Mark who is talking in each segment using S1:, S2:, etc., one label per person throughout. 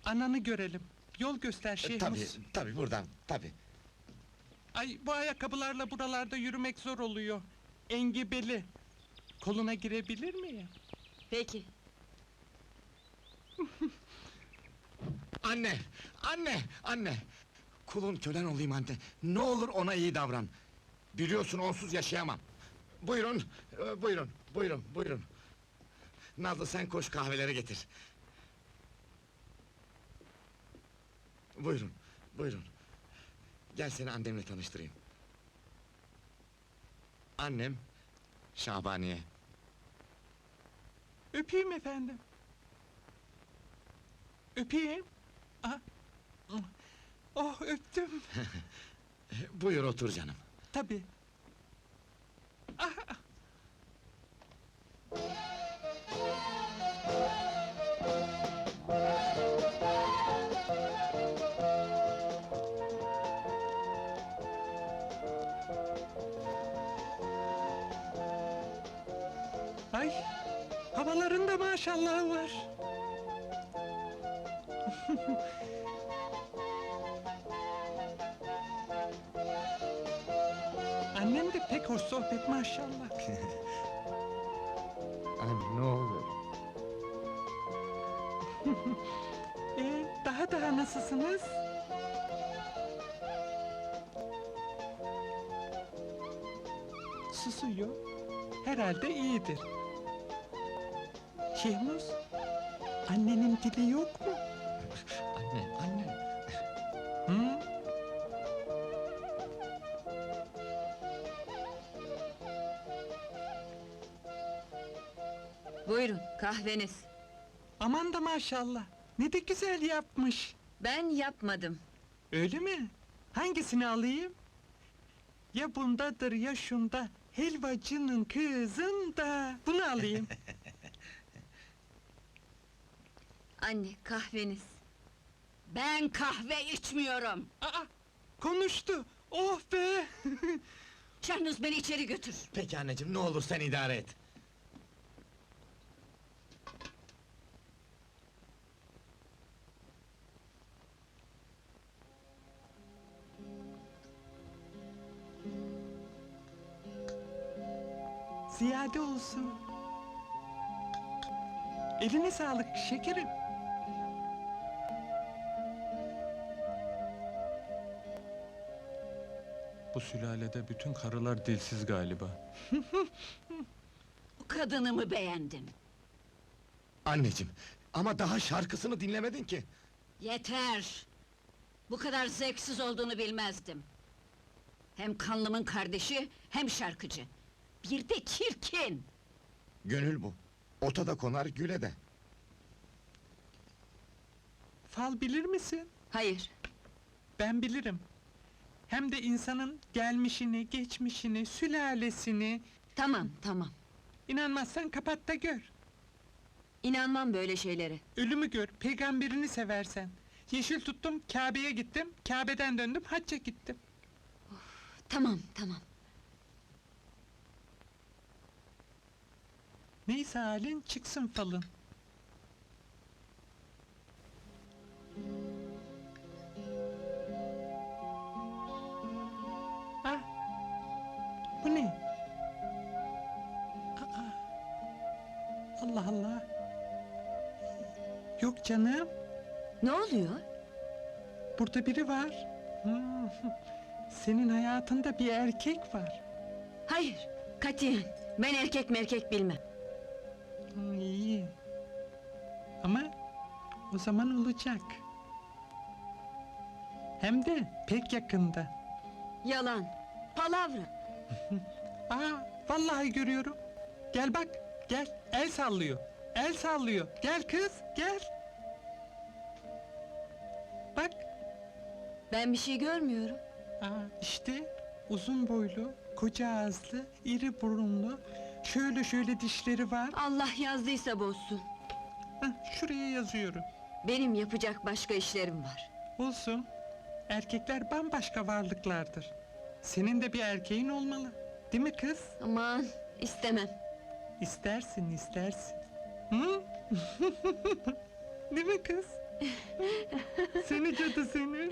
S1: Ananı görelim. Yol göster Şehmus.
S2: Tabii buradan, tabii.
S1: Ay, bu ayakkabılarla buralarda yürümek zor oluyor. Engebeli. Koluna girebilir miyim?
S3: Peki.
S2: Anne! Anne! Kulun kölen olayım anne. Ne olur ona iyi davran. Biliyorsun onsuz yaşayamam. Buyurun. Nazlı sen koş kahveleri getir. Buyurun. Gel seni annemle tanıştırayım. Annem, Şabaniye.
S1: Öpeyim efendim. Öpeyim. Aha. Oh, öptüm.
S2: Buyur otur canım.
S1: Tabii. Ah. Ay, havalarında maşallah var. Annem de pek hoş sohbet maşallah.
S2: Anne ne olur.
S1: Daha nasılsınız? Susuyor. Herhalde iyidir. Şehmus, annenin dili yok mu?
S2: Anne.
S1: Hı?
S3: Buyurun, kahveniz.
S1: Aman da maşallah. Ne de güzel yapmış.
S3: Ben yapmadım.
S1: Öyle mi? Hangisini alayım? Ya bundadır ya şunda. Helvacının kızında. Bunu alayım.
S3: Anne, kahveniz. Ben kahve içmiyorum.
S1: Aa, konuştu. Oh be!
S3: Şahnuz beni içeri götür.
S2: Peki anneciğim ne olur sen idare et.
S1: Ziyade olsun. Eline sağlık şekerim. Bu sülalede bütün karılar dilsiz galiba.
S3: Bu kadınımı beğendim.
S2: Anneciğim ama daha şarkısını dinlemedin ki.
S3: Yeter! Bu kadar zevksiz olduğunu bilmezdim. Hem kanlımın kardeşi, hem şarkıcı. Bir de çirkin!
S2: Gönül bu. Ota da konar güle de.
S1: Fal bilir misin?
S3: Hayır,
S1: Ben bilirim. Hem de insanın gelmişini, geçmişini, sülalesini...
S3: tamam.
S1: İnanmazsan kapat da gör.
S3: İnanmam böyle şeylere.
S1: Ölümü gör, peygamberini seversen. Yeşil tuttum, Kabe'ye gittim, Kabe'den döndüm, hacca gittim.
S3: Tamam.
S1: Neyse halin, çıksın falın. Ah! Bu ne? Aa! Allah Allah! Yok canım,
S3: Ne oluyor?
S1: burada biri var. Senin hayatında bir erkek var.
S3: Hayır, katiyen. Ben erkek merkek bilmem.
S1: İyi. Ama o zaman olacak. Hem de pek yakında.
S3: Yalan, palavra.
S1: Aa, vallahi görüyorum. Gel bak, gel. El sallıyor. Gel kız, gel. Bak.
S3: Ben bir şey görmüyorum.
S1: Aa, işte uzun boylu, koca ağızlı, iri burunlu, şöyle dişleri var.
S3: Allah yazdıysa bozsun.
S1: Şuraya yazıyorum.
S3: Benim yapacak başka işlerim var.
S1: Olsun. Erkekler bambaşka varlıklardır. Senin de bir erkeğin olmalı. Değil mi kız?
S3: Aman, istemem.
S1: İstersin. Hı? Değil mi kız? Seni cadı seni.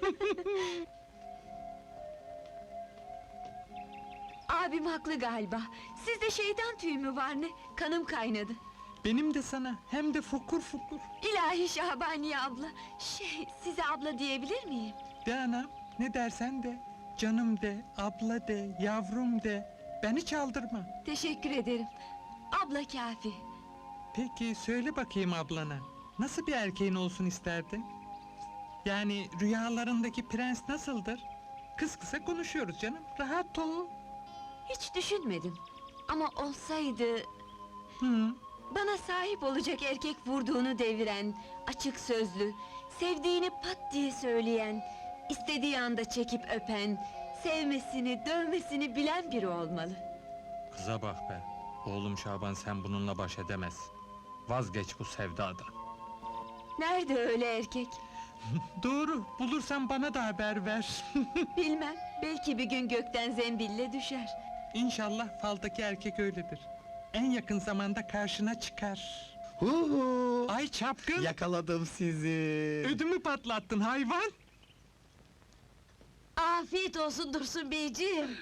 S3: Abim haklı galiba. Sizde şeytan tüyü mü var ne? Kanım kaynadı.
S1: Benim de sana, hem de fokur fokur.
S3: İlahi Şahbaniye abla. Size abla diyebilir miyim?
S1: De anam, ne dersen de. Canım de, abla de, yavrum de. Beni çaldırma.
S3: Teşekkür ederim. Abla kafi.
S1: Peki, söyle bakayım ablana. Nasıl bir erkeğin olsun isterdin? Yani rüyalarındaki prens nasıldır? Kız kısa konuşuyoruz canım, rahat ol.
S3: Hiç düşünmedim. Ama olsaydı...
S1: Hı.
S3: Bana sahip olacak erkek vurduğunu deviren, açık sözlü, sevdiğini pat diye söyleyen, istediği anda çekip öpen, sevmesini, dövmesini bilen biri olmalı.
S1: Kıza bak be. Oğlum Şaban, sen bununla baş edemez. Vazgeç bu sevdadan.
S3: Nerede öyle erkek?
S1: Doğru, bulursan bana da haber ver.
S3: Bilmem, belki bir gün gökten zembille düşer.
S1: İnşallah faldaki erkek öyledir. En yakın zamanda karşına çıkar.
S2: Huhu!
S1: Ay çapkın!
S2: Yakaladım sizi.
S1: Ödümü patlattın hayvan!
S3: Afiyet olsun Dursun beyciğim.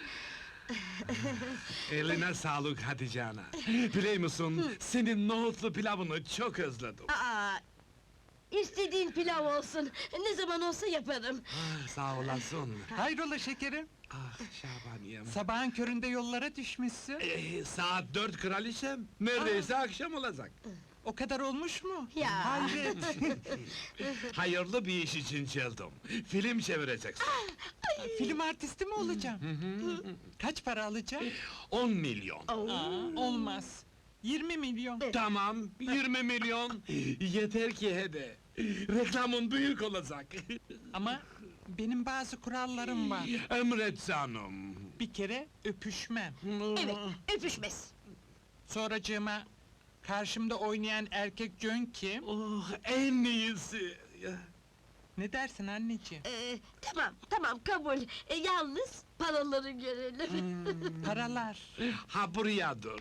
S4: Eline sağlık Hatice ana. Biliyor musun, senin nohutlu pilavını çok özledim.
S5: Aa, istediğin pilav olsun, ne zaman olsa yaparım.
S4: Ah, sağ olasın.
S1: Hayrola şekerim?
S4: Ah Şabaniyem.
S1: Sabahın köründe yollara düşmüşsün.
S4: Saat 4 kraliçem, neredeyse akşam olacak.
S1: O kadar olmuş mu?
S5: Ya.
S1: Hayret!
S4: Hayırlı bir iş için geldim. Film çevireceksin.
S1: Film artisti mi olacağım? Kaç para alacağım?
S4: 10 milyon.
S1: Aa, olmaz. 20 milyon.
S4: Tamam, 20 milyon. Yeter ki hede. Reklamın büyük olacak.
S1: Ama benim bazı kurallarım var.
S4: Emret canım.
S1: Bir kere öpüşmem.
S5: Evet, öpüşmez.
S1: Sonracığıma karşımda oynayan erkek cön kim?
S4: Oh, en iyisi.
S1: Ne dersin anneciğim?
S5: Tamam, kabul. Yalnız paraları görelim.
S1: Paralar.
S4: Ha buraya dur.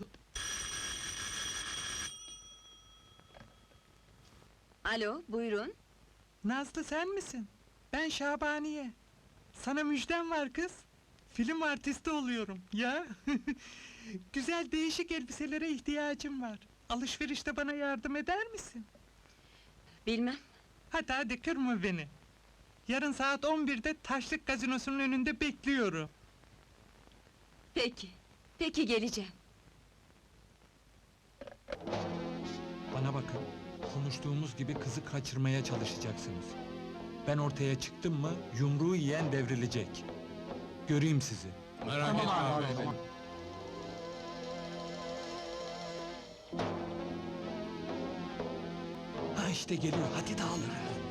S3: Alo, buyurun.
S1: Nazlı sen misin? Ben Şabaniye. Sana müjdem var kız. Film artisti oluyorum. Ya. Güzel değişik elbiselere ihtiyacım var. Alışverişte bana yardım eder misin?
S3: Bilmem.
S1: Hadi kırma beni. Yarın saat 11'de Taşlık Gazinosu'nun önünde bekliyorum.
S3: Peki geleceğim.
S1: Bana bakın. Konuştuğumuz gibi kızı kaçırmaya çalışacaksınız. Ben ortaya çıktım mı yumruğu yiyen devrilecek. Göreyim sizi.
S4: Merak etme abi.
S1: Ha işte geliyor. Hadi dağılın.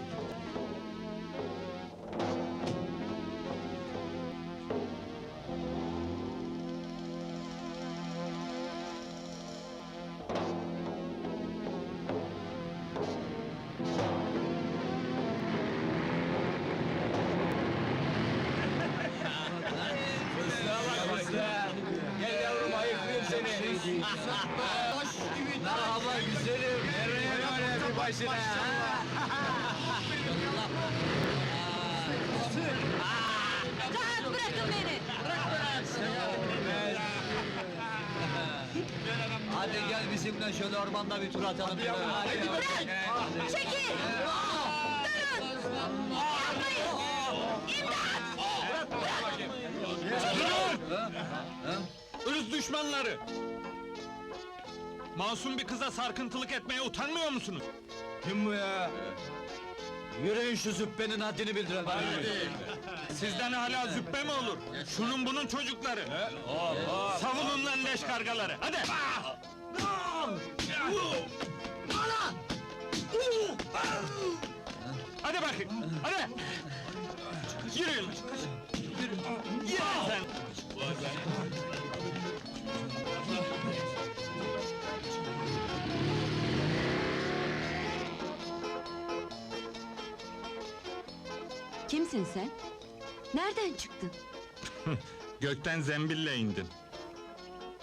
S6: Gel yavrum, ayıklayayım seni. Merhaba güzelim. Nereye böyle bir başına?
S3: Rahat bırakın beni!
S6: Hadi gel bizimle şöyle ormanda bir tur atalım. Hadi
S3: Bırak! Çekil! Durun!
S1: Irz düşmanları! Masum bir kıza sarkıntılık etmeye utanmıyor musunuz?
S6: Kim bu ya? Yürüyün şu züppenin haddini bildirelim.
S1: Sizden hala züppe mi olur? Şunun bunun çocukları! Savunun lan leş kargaları, hadi! Hadi bakayım, hadi! Yürüyün! Yürü sen!
S3: Kimsin sen? Nereden çıktın?
S1: Gökten zembille indin.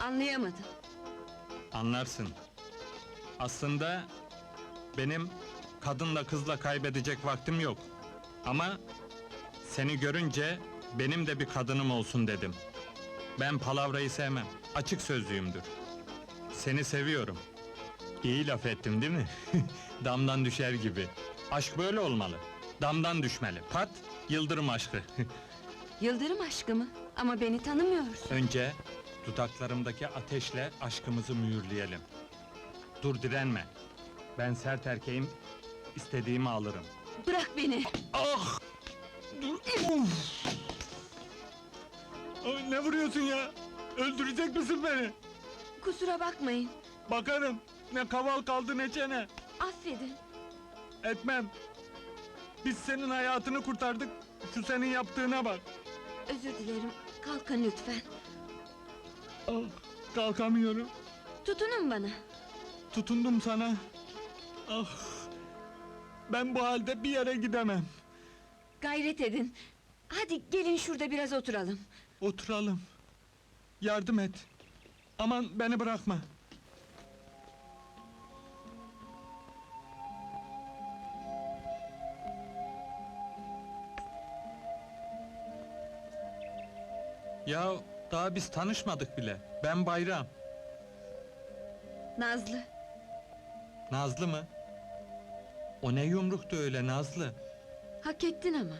S3: Anlayamadım.
S1: Anlarsın. Aslında benim kadınla kızla kaybedecek vaktim yok. Ama seni görünce benim de bir kadınım olsun dedim. Ben palavrayı sevmem, açık sözlüyümdür. Seni seviyorum. İyi laf ettim değil mi? Damdan düşer gibi. Aşk böyle olmalı. Damdan düşmeli. Pat, yıldırım aşkı.
S3: Yıldırım aşkı mı? Ama beni tanımıyorsun.
S1: Önce dudaklarımdaki ateşle aşkımızı mühürleyelim. Dur direnme. Ben sert erkeğim, istediğimi alırım.
S3: Bırak beni!
S1: Ah! Dur! Uf! Ay, ne vuruyorsun ya? Öldürecek misin beni?
S3: Kusura bakmayın.
S1: Bakarım. Ne kaval kaldı ne çene.
S3: Affedin.
S1: Etmem. Biz senin hayatını kurtardık. Şu senin yaptığına bak.
S3: Özür dilerim. Kalkın lütfen.
S1: Ah, kalkamıyorum.
S3: Tutunun bana.
S1: Tutundum sana. Ah! Ben bu halde bir yere gidemem.
S3: Gayret edin. Hadi gelin şurada biraz oturalım.
S1: Oturalım. Yardım et. Aman beni bırakma. Ya daha biz tanışmadık bile. Ben Bayram.
S3: Nazlı.
S1: Nazlı mı? O ne yumruktu öyle Nazlı?
S3: Hak ettin ama.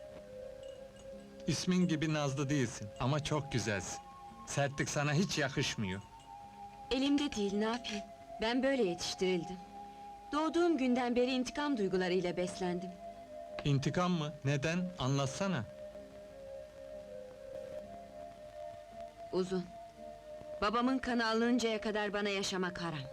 S1: İsmin gibi Nazlı değilsin ama çok güzelsin. Sertlik sana hiç yakışmıyor.
S3: Elimde değil, ne yapayım? Ben böyle yetiştirildim. Doğduğum günden beri intikam duygularıyla beslendim.
S1: İntikam mı? Neden? Anlatsana.
S3: Uzun. Babamın kanı alınıncaya kadar bana yaşamak haram.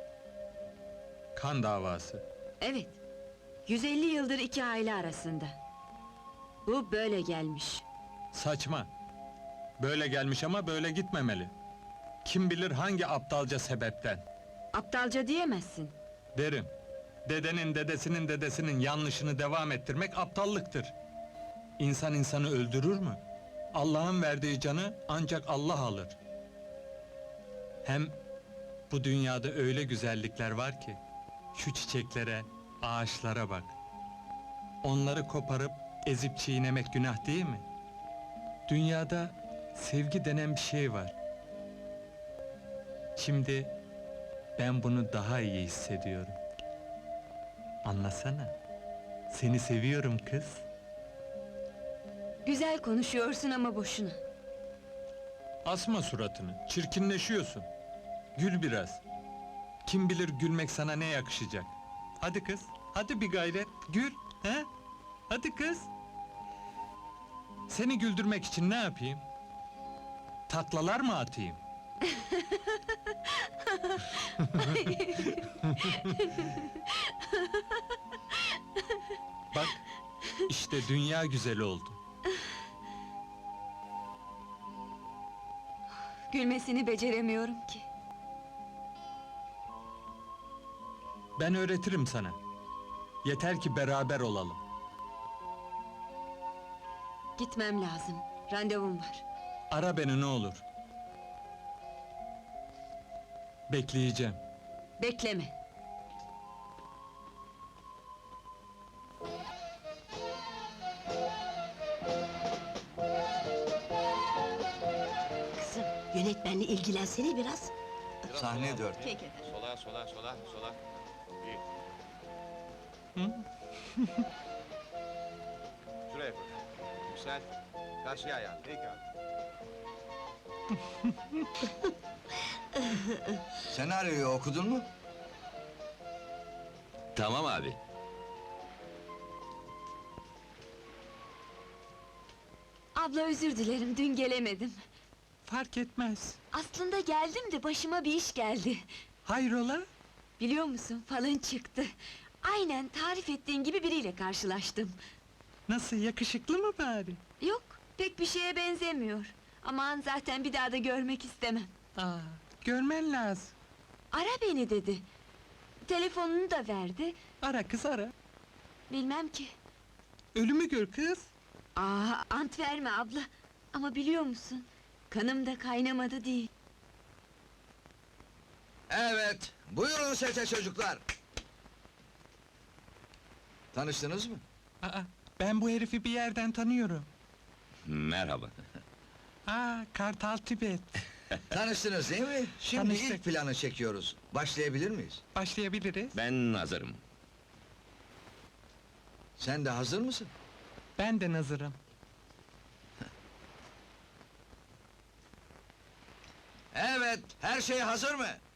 S1: Kan davası.
S3: Evet. 150 yıldır iki aile arasında. Bu böyle gelmiş.
S1: Saçma. Böyle gelmiş ama böyle gitmemeli. Kim bilir hangi aptalca sebepten.
S3: Aptalca diyemezsin.
S1: Derim. Dedenin dedesinin dedesinin yanlışını devam ettirmek aptallıktır. İnsan insanı öldürür mü? Allah'ın verdiği canı ancak Allah alır. Hem bu dünyada öyle güzellikler var ki, şu çiçeklere, ağaçlara bak. Onları koparıp ezip çiğnemek günah değil mi? Dünyada sevgi denen bir şey var. Şimdi ben bunu daha iyi hissediyorum. Anlasana. Seni seviyorum kız.
S3: Güzel konuşuyorsun ama boşuna.
S1: Asma suratını, çirkinleşiyorsun. Gül biraz. Kim bilir gülmek sana ne yakışacak. Hadi kız, hadi bir gayret, gül, he? Hadi kız. Seni güldürmek için ne yapayım? Taklalar mı atayım? Bak, işte dünya güzeli oldu.
S3: Gülmesini beceremiyorum ki.
S1: Ben öğretirim sana. Yeter ki beraber olalım.
S3: Gitmem lazım. Randevum var.
S1: Ara beni ne olur. Bekleyeceğim.
S3: Bekleme.
S5: Kızım, yönetmenle ilgilensene biraz.
S6: Sahne 4.
S2: Sola, sola, sola, sola. Şuraya koy. Yüksel. Karşıya ayağını. Peki abi.
S6: Senaryoyu okudun mu?
S7: Tamam abi.
S3: Abla özür dilerim, dün gelemedim.
S1: Fark etmez.
S3: Aslında geldim de başıma bir iş geldi.
S1: Hayrola?
S3: Biliyor musun, falın çıktı. Aynen tarif ettiğin gibi biriyle karşılaştım.
S1: Nasıl, yakışıklı mı bari?
S3: Yok, pek bir şeye benzemiyor. Aman zaten bir daha da görmek istemem.
S1: Aa, görmen lazım.
S3: Ara beni dedi. Telefonunu da verdi.
S1: Ara kız ara.
S3: Bilmem ki.
S1: Ölümü gör kız.
S3: Ant verme abla. Ama biliyor musun? Kanım da kaynamadı değil.
S6: Evet, buyurun sete çocuklar. Tanıştınız mı?
S1: Aa, ben bu herifi bir yerden tanıyorum.
S7: Merhaba.
S1: Kartal Tibet.
S6: Tanıştınız değil mi? Şimdi
S1: Tanıştık.
S6: ilk planı çekiyoruz. Başlayabilir miyiz?
S1: Başlayabiliriz.
S7: Ben hazırım.
S6: Sen de hazır mısın?
S1: Ben de hazırım.
S6: Evet, her şey hazır mı?